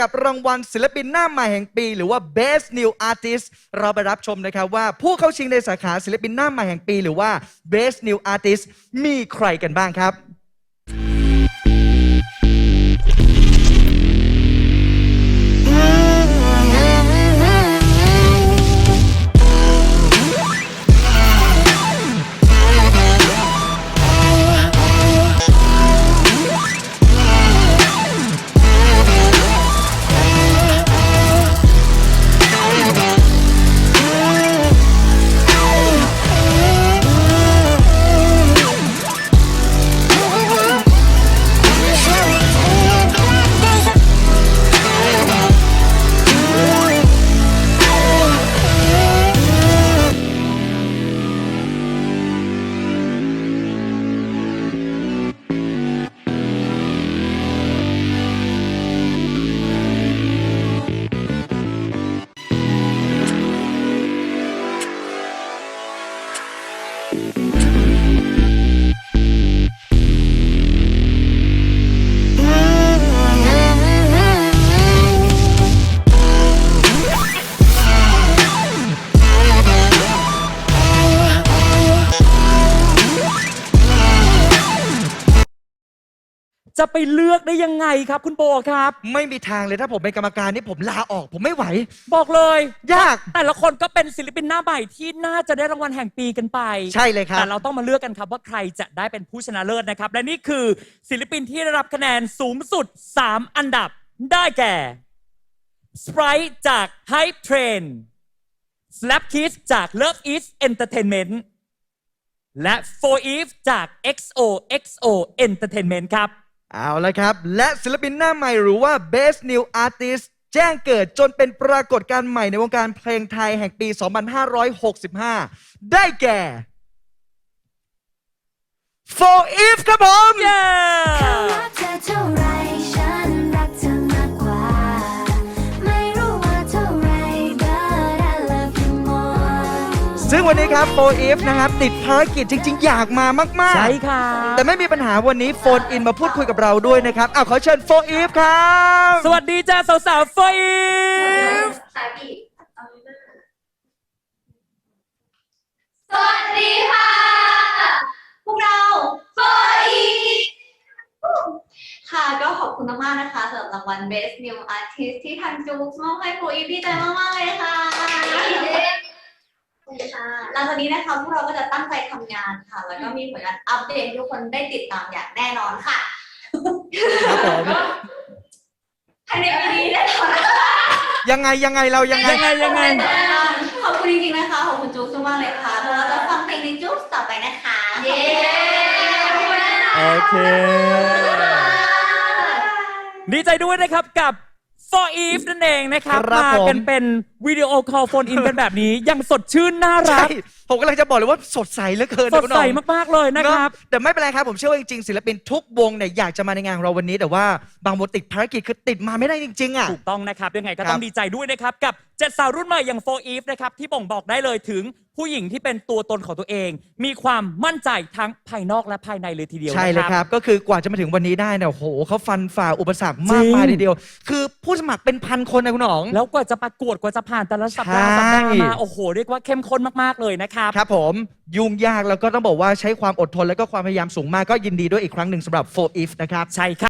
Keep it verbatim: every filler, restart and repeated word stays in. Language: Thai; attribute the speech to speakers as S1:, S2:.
S1: กับรางวัลศิลปินหน้าใหม่แห่งปีหรือว่า Best New Artist เราไปรับชมนะครับว่าผู้เข้าชิงในสาขาศิลปินหน้าใหม่แห่งปีหรือว่า Best New Artist มีใครกันบ้างครับ
S2: จะไปเลือกได้ยังไงครับคุณโบครับ
S1: ไม่มีทางเลยถ้าผมเป็นกรรมการนี่ผมลาออกผมไม่ไหว
S2: บอกเลย
S1: ยาก
S2: แต่ละคนก็เป็นศิลปินหน้าใหม่ที่น่าจะได้รางวัลแห่งปีกันไป
S1: ใช่เลยครับ
S2: แต่เราต้องมาเลือกกันครับว่าใครจะได้เป็นผู้ชนะเลิศนะครับและนี่คือศิลปินที่ได้รับคะแนนสูงสุดสามอันดับได้แก่ Sprite จาก Hype Train Slap Kids จาก Love Is Entertainment และ โฟร์ อีฟ จาก เอ็กซ์ โอ เอ็กซ์ โอ Entertainment ครับ
S1: เอาละครับและศิลปินหน้าใหม่หรือว่า Best New Artist แจ้งเกิดจนเป็นปรากฏการณ์ใหม่ในวงการเพลงไทยแห่งปี สองพันห้าร้อยหกสิบห้า ได้แก่ โฟร์ อีฟ ครับผม
S2: เย้
S1: ซึ่งวันนี้ครับโฟร์ อีฟ นะครับติดภารกิจจริงๆอยากมามากๆ
S2: ใช่ค่ะ
S1: แต่ไม่มีปัญหาวันนี้โฟนอินมาพูดคุยกับเราด้วยนะครับเอาขอเชิญโฟร์ อีฟ ครับ
S2: สวัสดีจ้าสาวๆโฟร์ อีฟ
S3: สวัสดีค่ะพวกเราโฟร์ อีฟ ค่ะก็ขอบคุณมากๆนะคะสำหรับรางวัล Best New Artist ที่ทางจู๊กมอบให้โฟร์ อีฟ ดีใจมากๆเลยค่ะหลังจากนี้นะคะพวกเราก็จะตั้งใจทำงานค่ะแล้วก็มีผลงานอัปเดตให้ทุกคนได้ติดตามอย่างแน่นอนค่ะ
S1: ครับผม
S3: ภายในปีนี้แน่นอน
S1: ยังไงยังไงเรายังไง
S2: ยังไงยังไง
S3: ขอบคุณจริงๆนะคะขอบคุณจุ๊กมากเลยค่ะเราจะฟังเพลงในจุ๊กต่อไปนะคะเย้
S2: โอเคดีใจด้วยนะครับกับโฟร์ อีฟ นั่นเองนะครับมากันเป็นวิดีโอคอลโฟนอินกันแบบนี้ยังสดชื่นน่ารัก
S1: ผมกำลังจะบอกเลยว่าสดใสเหลือเกิน
S2: สดใสมากๆเลยนะครับ
S1: แต่ไม่เป็นไรครับผมเชื่อว่าจริงๆศิลปินทุกวงเนี่ยอยากจะมาในงานเราวันนี้แต่ว่าบางวงติดภารกิจคือติดมาไม่ได้จริงๆอ่ะ
S2: ถูกต้องนะครับยังไงก็ต้องดีใจด้วยนะครับกับเจ็ดสาวรุ่นใหม่อย่างโฟร์ อีฟ นะครับที่บ่งบอกได้เลยถึงผู้หญิงที่เป็นตัวตนของตัวเองมีความมั่นใจทั้งภายนอกและภายในเลยทีเดียว
S1: ใช่เลยครับก็คือกว่าจะมาถึงวันนี้ได้เนี่ยโอ้โหเขาฟันฝ่าอุปสรรคมากมายทีเดียวคือผู้สมัครเป็นพันคนนะคุณหนอง
S2: แล้วกว่าจะประกวดกว่าจะผ่านแต่ละสัปดาห์สัปดาห์มาโอ้โหเรียกว่าเข้มข้นมากๆเลยนะครับ
S1: ครับผมยุ่งยากแล้วก็ต้องบอกว่าใช้ความอดทนและก็ความพยายามสูงมากก็ยินดีด้วยอีกครั้งหนึ่งสำหรับโฟร์ อีฟ นะครับ
S2: ใช่ครับ